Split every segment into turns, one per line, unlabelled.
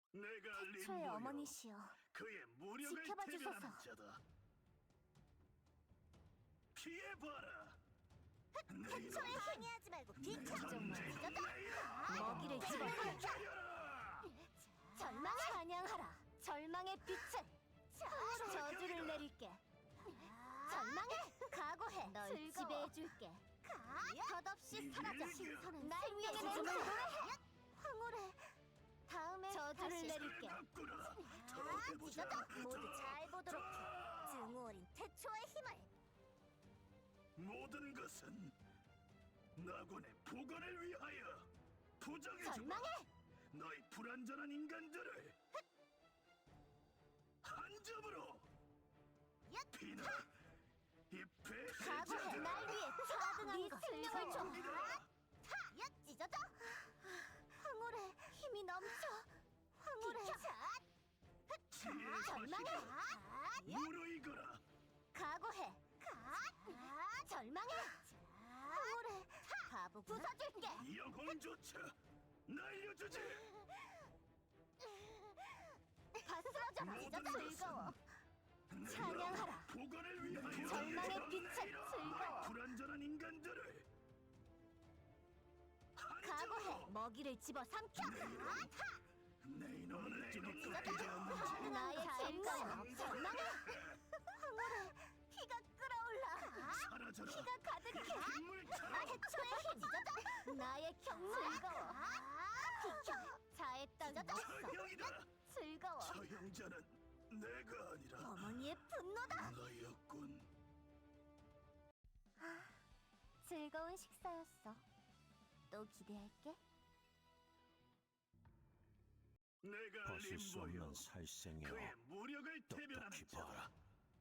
내가
태초의
림보요,
어머니시여,
그의 무력을
지켜봐
대변하는
주소서.
자다. 피해봐라.
태초에 항의하지 말고
비켜줘.
먹이를 집어삼켜
켜라.
절망을 찬양하라. 절망의 빛을 저주를 내릴게. 절망해. 각오해. 널 지배해줄게. 덧없이 사라져.
신선한
날 위해 노래해. 황홀해. 다음에 저주를 내릴게.
낫구나. 더 해보자.
모두 잘 보도록 해. 증오 어린 태초의 힘을.
모든 것은 나군의 복원을 위하여 부정해주마.
절망해.
너희 불완전한 인간들을 한 점으로 피나 이
각오해.
배신자들아.
날 위해 차등한 것. 생명을 줘.
이거라.
찢어져. 황홀해. 힘이 넘쳐. 황홀해.
지혜의
절망해.
과실을 무르익어라.
각오해. 절망해. 황홀해. 바보 부숴줄게.
영혼조차 날려주지.
다 쓰러져라.
모든
즐거워.
것은
찬양하라.
복원을 위하여
절망의 빛은 즐거워.
너희 불완전한 인간들을 한
각오해.
점으로
먹이를 집어 삼켜.
내 이놈을 찌릿 꺾이지 않는지
나의 즐거워. 절망해. 황홀해. 피가 끓어올라.
사라져라.
피가 가득해.
빗물처럼
태초의 힘. 나의 경물. 즐거워. 비켜. 자의 땅 넣었어.
처형이다.
즐거워.
처형자는 내가 아니라
어머니의 분노다.
너였군.
즐거운 식사였어. 또 기대할게.
내가
벗을 수
림보여,
없는 살생이여,
그의 무력을 대변하는
똑똑히
자다.
봐라.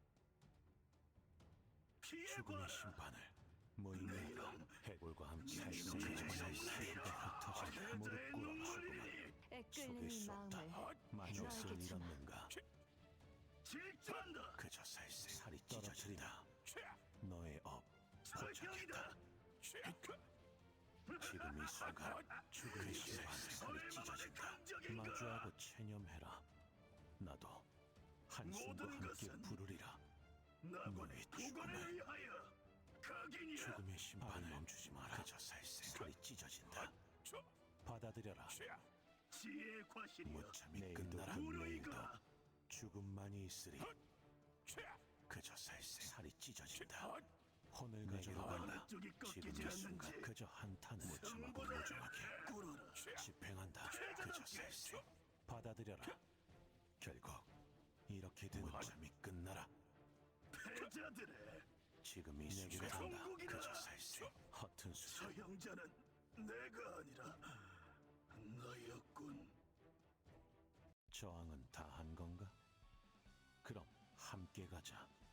죽음의
피해봐라.
심판을 무의미하다.
이놈.
해골과 함께
이놈의
살생의
살생이여.
흩어져 무릎
패자의
꿇어
눈물이니
죽음을 속일 수 없다. 마녀를 잃었는가?
질투한다.
그저 살생 살이 떨어뜨리다. 너의 업
처형이다.
포착했다. 지금 이 순간 죽음의 심판을 살이 찢어진다. 마주하고 체념해라. 나도 한숨과
모든
함께
것은
부르리라.
나군의
너의
복원을
죽음을.
위하여 각인이야.
죽음의 심판을 멈추지 마라. 그저 살생 살이 찢어진다. 받아들여라.
지혜의 과실이여.
무참히 끝나라. 내일도
무르익어라.
죽음만이 있으리. 그저 살생 살이 찢어진다. 혼을 가져가 간다.
어느 쪽이
지금
꺾이지
이 순간
않는지
그저 한탄을 무참하고
승부를
무정하게
꿇어라.
집행한다. 그저 살생 받아들여라. 결국 이렇게 된 무참히 끝나라.
패자들의
지금 이 순간 한다.
천국이다.
그저 살생 허튼 수작.
처형자는 내가 아니라 너였군.
저항은 다 한 건가? 그럼 함께 가자.